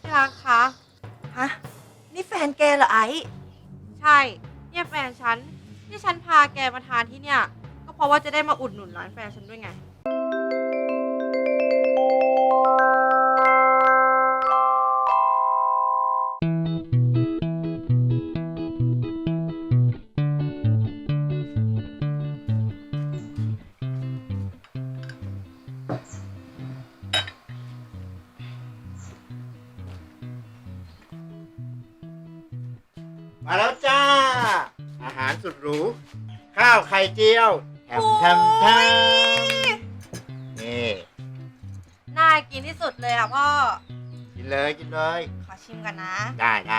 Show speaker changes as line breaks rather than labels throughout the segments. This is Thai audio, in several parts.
ที่รักคะ
ฮะนี่แฟนแกเหรอไอ้
ใช่ เนี่ยแฟนฉันที่ฉันพาแกมาทานที่เนี่ย ก็เพราะว่าจะได้มาอุดหนุนร้านแฟนฉันด้วยไง
มาแล้วจ้าอาหารสุดหรูข้าวไข่เจียวแถมนี่
น่ากินที่สุดเลยอ่ะพ่อ
กินเลยกินเลย
ขอชิมกันนะ
ได้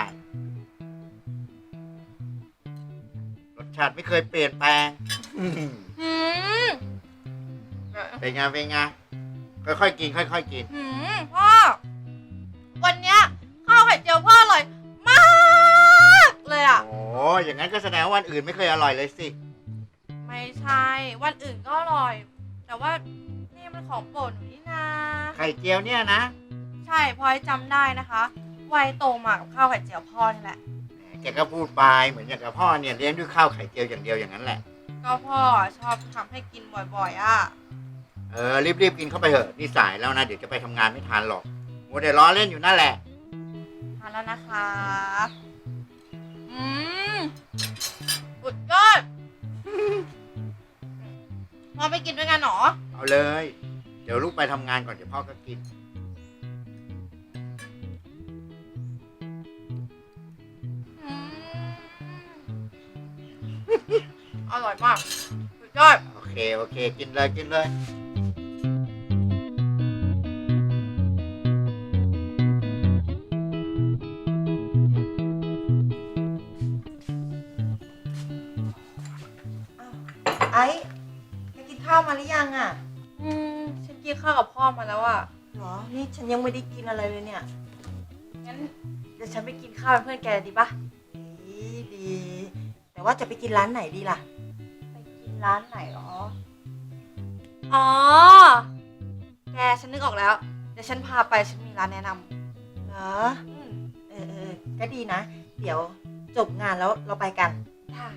รสชาติไม่เคยเปลี่ยนแปลง
หืม
เป็นไงค่อยๆกินค่อยๆกิน
พ่อ วันเนี้ยข้าวไข่เจียวพ่ออร่อยมากเลยอ่ะ
โอ้อย่างนั้นก็แสดงว่าวันอื่นไม่เคยอร่อยเลยสิ
ไม่ใช่ วันอื่นก็อร่อย แต่ว่านี่มันของโปรดหนูนี่นา
ไข่เจียวเนี่ยนะ
ใช่พลอยจำได้นะคะวัยโตมากับข้าวไข่เจียวพ่อนี่แหละ
แกก็พูดไปเหมือนอย่างกับพ่อเนี่ยเลี้ยงด้วยข้าวไข่เจียวอย่างเดียวอย่างนั้นแหละ
ก็พ่อชอบทำให้กินบ่อยๆอ่ะ
รีบกินเข้าไปเถอะนี่สายแล้วนะเดี๋ยวจะไปทำงานไม่ทันหรอกมัวแต่ล้อเล่นอยู่นั่นแหละ
ทานแล้วนะคะสุดยอดพ่อไปกินด้วยกันเหรอ
เอาเลยเดี๋ยวลูกไปทำงานก่อนเดี๋ยวพ่อก็กิน
อืมอร่อยมากสุดยอด
โอเคกินเลย
ไอ้แกกินข้าวมาหรือยังอ่ะ
ฉันกินข้าวกับพ่อมาแล้วอ่ะ
เหรอนี่ฉันยังไม่ได้กินอะไรเลยเนี่ย
งั้นเดี๋ยวฉันไปกินข้าวเป็นเพื่อนแกดีปะ
ดีแต่ว่าจะไปกินร้านไหนดีล่ะ
ไปกินร้านไหนหรอ อ๋อ แกฉันนึกออกแล้ว เดี๋ยวฉันพาไปฉันมีร้านแนะน
เหรอ
ำ
ก็ดีนะ เดี๋ยวจบงานแล้วเราไปกัน
ได้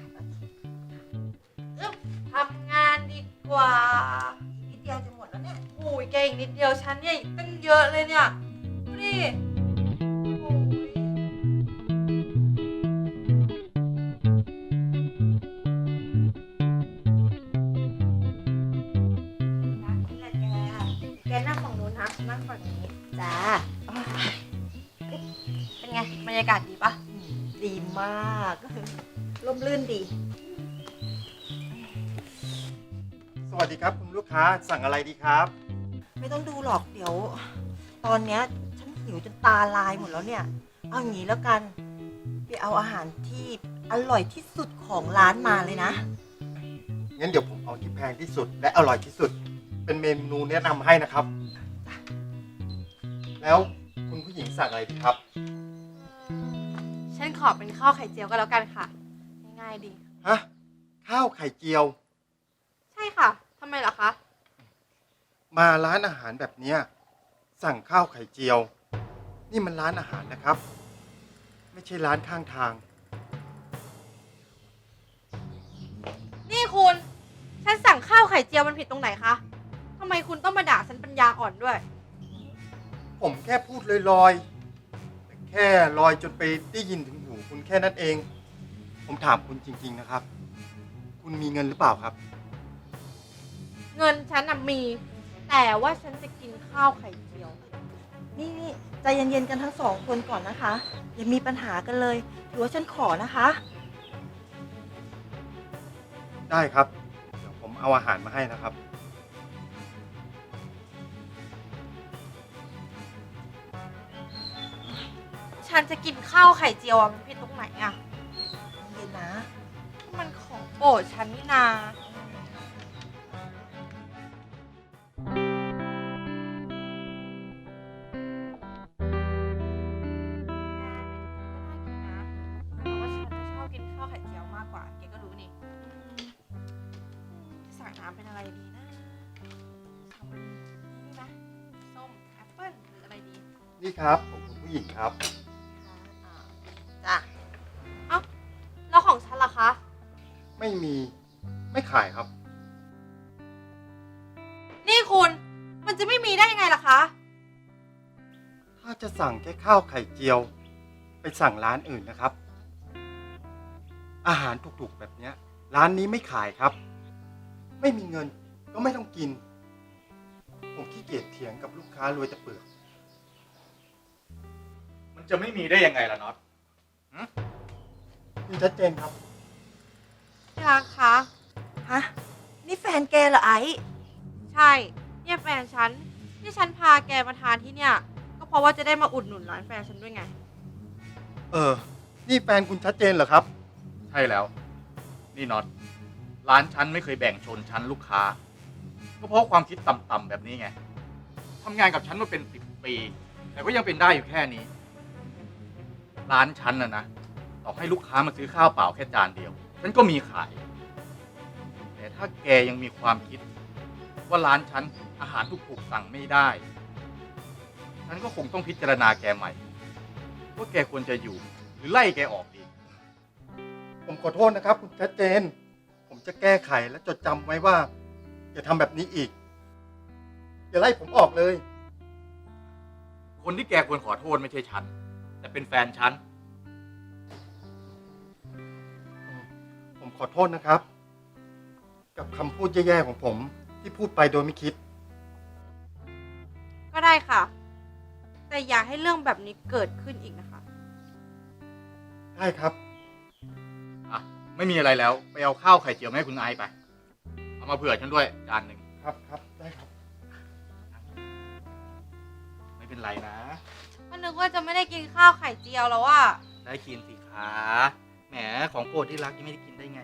ทำงานดีกว่า
นิดเดียวจะหมดแล้วเนี่ย
โอ้ยแกอีกนิดเดียวฉันเนี่ยอีกตั้งเยอะเลยเนี่ยดูดิโอ้ย
นะนี่แหละแกนั่งฝั่งนู้นนะฉันนั่งฝั่งนี้จ้า
เป็นไงบรรยากาศดีปะ
ดีมาก ร่มรื่นดี
สวัสดีครับคุณลูกค้าสั่งอะไรดีครับ
ไม่ต้องดูหรอกเดี๋ยว ตอนเนี้ยฉันหิวจนตาลายหมดแล้วเนี่ย เอาอย่างนี้แล้วกันไปเอาอาหารที่อร่อยที่สุดของร้านมาเลยนะ
งั้นเดี๋ยวผมเอาที่แพงที่สุดและอร่อยที่สุด เป็นเมนูแนะนำให้นะครับ แล้วคุณผู้หญิงสั่งอะไรดีครับ
ฉันขอเป็นข้าวไข่เจียวก็แล้วกันค่ะ ง่ายๆดี
ฮะ ข้าวไข่เจียว
ใช่ค่ะทำไมล่ะคะ
มาร้านอาหารแบบเนี้ยสั่งข้าวไข่เจียว นี่มันร้านอาหารนะครับ ไม่ใช่ร้านข้างทาง
นี่คุณ ฉันสั่งข้าวไข่เจียวมันผิดตรงไหนคะทำไมคุณต้องมาด่าฉันปัญญาอ่อนด้วย
ผมแค่พูดลอยๆแต่แค่ลอยจนไปได้ยินถึงหูคุณแค่นั้นเอง ผมถามคุณจริงๆนะครับ คุณมีเงินหรือเปล่าครับ
เงินฉันน่ะมี แต่ว่าฉันจะกินข้าวไข่เจียว
นี่ใจเย็นๆกันทั้งสองคนก่อนนะคะ อย่ามีปัญหากันเลยถือว่าฉันขอนะคะ
ได้ครับ เดี๋ยวผมเอาอาหารมาให้นะครับ
ฉันจะกินข้าวไข่เจียวอะมันผิดตรงไหนอะ
เย็นนะ
มันของโปรดฉันนี่นาแต่ว่าฉันชอบกินข้าวไข่เจียวมากกว่าแกก็รู้นี่สั่งน้ำเป็นอะไรดีนะสตรอเบอรี่นี่ไหมส้มแอปเปิ้ลหรืออะไรดี
นี่ครับของคุณผู้ผู้หญิงครับ
จ้ะ
แล้วของฉันล่ะคะ
ไม่มีไม่ขายครับ
นี่คุณ มันจะไม่มีได้ยังไงล่ะคะ
ถ้าจะสั่งแค่ข้าวไข่เจียว ไปสั่งร้านอื่นนะครับ อาหารถูกๆแบบเนี้ย ร้านนี้ไม่ขายครับ ไม่มีเงินก็ไม่ต้องกิน ผมขี้เกียจเถียงกับลูกค้ารวยแต่เปลือก
มันจะไม่มีได้ยังไงล่ะน็อต
คุณชัดเจนครับ
ที่รักคะ
ฮะ นี่แฟนแกเหรอไอ้
ใช่ เนี่ยแฟนฉัน ที่ฉันพาแกมาทานที่เนี่ย ก็เพราะว่าจะได้มาอุดหนุนร้านแฟนฉันด้วยไง
นี่แฟนคุณชัดเจนเหรอครับ
ใช่แล้ว นี่น็อต ร้านฉันไม่เคยแบ่งชนชั้นลูกค้า ก็เพราะความคิดต่ำๆแบบนี้ไงทำงานกับฉันมาเป็น10 ปี แต่ก็ยังเป็นได้อยู่แค่นี้ ร้านฉันนะต่อให้ลูกค้ามาซื้อข้าวเปล่าแค่จานเดียว ฉันก็มีขาย แต่ถ้าแกยังมีความคิด ว่าร้านฉันอาหารถูกๆสั่งไม่ได้ ฉันก็คงต้องพิจารณาแกใหม่ ว่าแกควรจะอยู่ หรือไล่แกออกดี
ผมขอโทษนะครับ คุณชัดเจน ผมจะแก้ไขและจดจำไว้ว่า อย่าทำแบบนี้อีก อย่าไล่ผมออกเลย
คนที่แกควรขอโทษไม่ใช่ฉัน แต่เป็นแฟนฉัน
ผมขอโทษนะครับ กับคำพูดแย่ๆของผมที่พูดไปโดยไม่คิด
ก็ได้ค่ะ แต่อย่าให้เรื่องแบบนี้เกิดขึ้นอีกนะคะ
ได้ครับ
อ่ะ ไม่มีอะไรแล้ว ไปเอาข้าวไข่เจียวมาให้คุณไอซ์ไป เอามาเผื่อฉันด้วยจานหนึ่ง
ครับครับได้ครับ
ไม่เป็นไรนะ
ก็นึกว่าจะไม่ได้กินข้าวไข่เจียวแล้วอะ
ได้กินสิคะแหมของโปรดที่รักยังไม่ได้กินได้ไง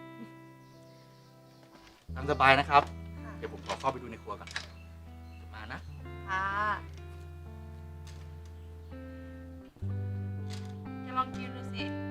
ตามสบายนะครับ เดี๋ยวผมขอเข้าไปดูในครัวก่อนมานะ
ค่ะจะลองกินดูสิ